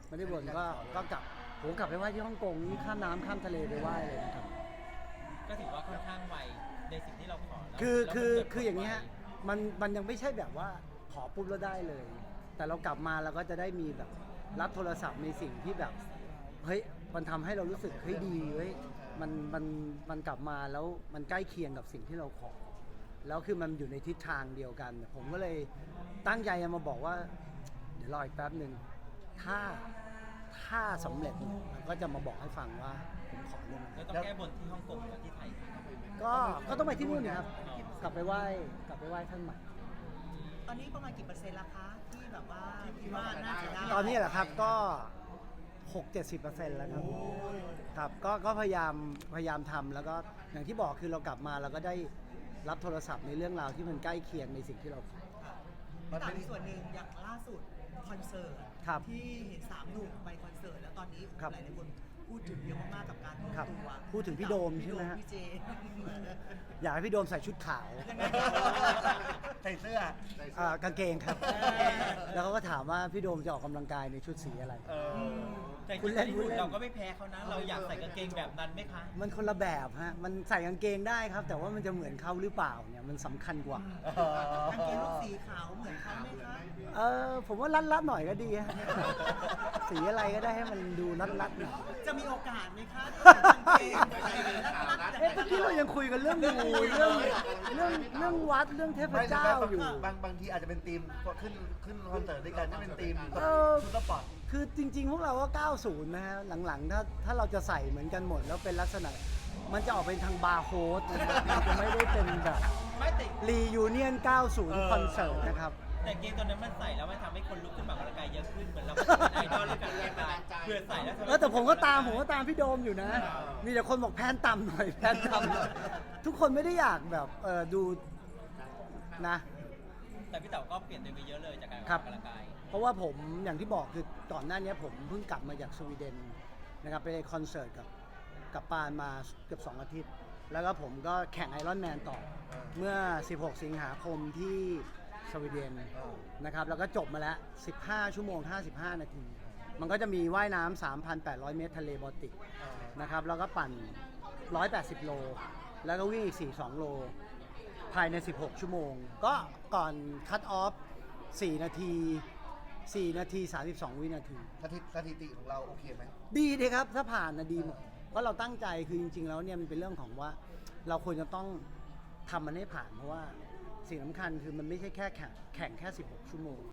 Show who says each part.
Speaker 1: ไม่ได้บ่นก็กลับผมกลับไปไหว้ที่ฮ่องกงนี่ข้ามน้ำข้ามทะเลไปไหว้เลยนะครับ
Speaker 2: ก็ถือว่าค่อนข้างไวในสิ่งที่เราขอแล้ว
Speaker 1: คืออย่างนี้ฮะมันยังไม่ใช่แบบว่าขอปุ๊บแล้วได้เลย แต่เรากลับมาเราก็จะได้มีแบบรับโทรศัพท์ในสิ่งที่แบบเฮ้ยมันทำให้เรารู้สึกเฮ้ยดีเฮ้ยมันกลับมาแล้วมันใกล้เคียงกับสิ่งที่เราขอแล้วคือมันอยู่ในทิศทางเดียวกันผมก็เลยตั้งใจมาบอกว่าเดี๋ยวรออีกแป๊บหนึ่งถ้าสำเร็จก็จะมาบอกให้ฟังว่าผมขอเรื่องอะไร
Speaker 2: แล้วต้องแก้บนที่ฮ่องกงกับที่ไทย
Speaker 1: ก็ต้องไปที่นู่นนะครับกลับไปไหว้ท่านใหม่
Speaker 3: ตอนนี้ประมาณกี่เปอร์เซ็นต์ละคะที่แบบว่าคิดว่าน่าจะได้
Speaker 1: ตอนนี้แหละครับก็ 60-70% แล้วครับก็พยายามทำแล้วก็อย่างที่บอกคือเรากลับมาเราก็ได้รับโทรศัพท์ในเรื่องราวที่มันใกล้เคียงในสิ่งที่เราขอ
Speaker 3: แต่มีส่วนหนึ่งอย่างล่าสุดคอนเสิร์ต
Speaker 1: ครับ
Speaker 3: ที่เห็น3 หนุ่มไปคอนเสิร์ตแล้วตอนนี้ห
Speaker 1: ครับ
Speaker 3: ลายๆคนพูดถึงเยอะมากๆกับการรวม
Speaker 1: ครับ
Speaker 3: ตัว
Speaker 1: พูดถึงพี่โดมใช่ไหมฮะ
Speaker 3: พี่เจ
Speaker 1: อยากให้พี่โดมใส่ชุดขาว
Speaker 4: ใส่เสื้อก
Speaker 1: างเกงครับ แล้วเขาก็ถามว่าพี่โดมจะออกกำลังกายในชุดสีอะไร
Speaker 2: แต่
Speaker 1: คุณเล่น
Speaker 2: ที่เราก็ไม่แพ้เขานะ เราอยากใส่กางเกงแบบนั้นไหมคะ
Speaker 1: มันคนละแบบฮะมันใส่กางเกงได้ครับ แต่ว่ามันจะเหมือนเขาหรือเปล่าเนี่ยมันสำคัญกว่า
Speaker 3: กางเกงลูกสีขาวเหมือนเขาไหมคะ
Speaker 1: ผมว่ารัดหน่อยก็ดีฮะ สีอะไรก็ได้ให้มันดูรัดหน่อย
Speaker 3: จะมีโอกาสไหมคะที่กางเกงใส่รัดๆ
Speaker 1: เมื่อกี้เรายังคุยกันเรื่องมูเรื่องวัดเรื่องเทพเจ้าอยู่
Speaker 4: บางทีอาจจะเป็นทีมขึ้นคอนเสิร์ตด้วยกันจะเป็นทีม
Speaker 1: เออ
Speaker 4: ชุดสปอร์ต
Speaker 1: คือจริงๆ พวกเราก็ 90 นะฮะ หลังๆ ถ้าเราจะใส่เหมือนกันหมดแล้วเป็นลักษณะ มันจะออกเป็นทางบาร์โฮสนะครับมันจะไม่ได้เป็นแบบ
Speaker 2: ไม่แต่
Speaker 1: รียูเนียน 90 คอนเสิร์ตนะครับ
Speaker 2: แต่เกงตัวนั้นมันใส่แล้วมันทำให้คนลุกขึ้นมาออกกำลังกายเยอะขึ้นเหมือนเราเป็นไอดอลด้วยกันแรงกายเพื่อใส่แล้วทำให้
Speaker 1: แต่ผมก็ตามพี่โดมอยู่นะ มีแต่คนบอกแพนต่ำหน่อยแพนต่ำหน่อยทุกคนไม่ได้อยากแบบดูนะ
Speaker 2: แต่พี่เต๋าก็เปลี่ยนตัวเองไปเยอะเลยจากการออก
Speaker 1: ครับ
Speaker 2: กำลังกาย
Speaker 1: เพราะว่าผมอย่างที่บอกคือก่อนหน้านี้ผมเพิ่งกลับมาจากสวีเดนนะครับไปคอนเสิร์ตกับปานมาเกือบ2 อาทิตย์ แล้วก็ผมก็แข่งไอรอนแมนต่อเมื่อ 16 สิงหาคมที่สวีเดนนะครับแล้วก็จบมาแล้ว 15 ชั่วโมง 55 นาที มันก็จะมีว่ายน้ำ 3,800 เมตรทะเลบอลติกนะครับแล้วก็ปั่น 180 โล แล้วก็วิ่งอีก 42 โล ภายใน 16 ชั่วโมง ก็ก่อนคัตออฟ 4 นาที 32 วินาที
Speaker 4: สถิติของเราโอเคไหม
Speaker 1: ดีเลยครับ ถ้าผ่านนะดีหมดเพราะเราตั้งใจคือจริงๆแล้วเนี่ยมันเป็นเรื่องของว่าเราควรจะต้องทำมันให้ผ่านเพราะว่าสิ่งสำคัญคือมันไม่ใช่แค่แข่งแค่ 16 ชั่วโมง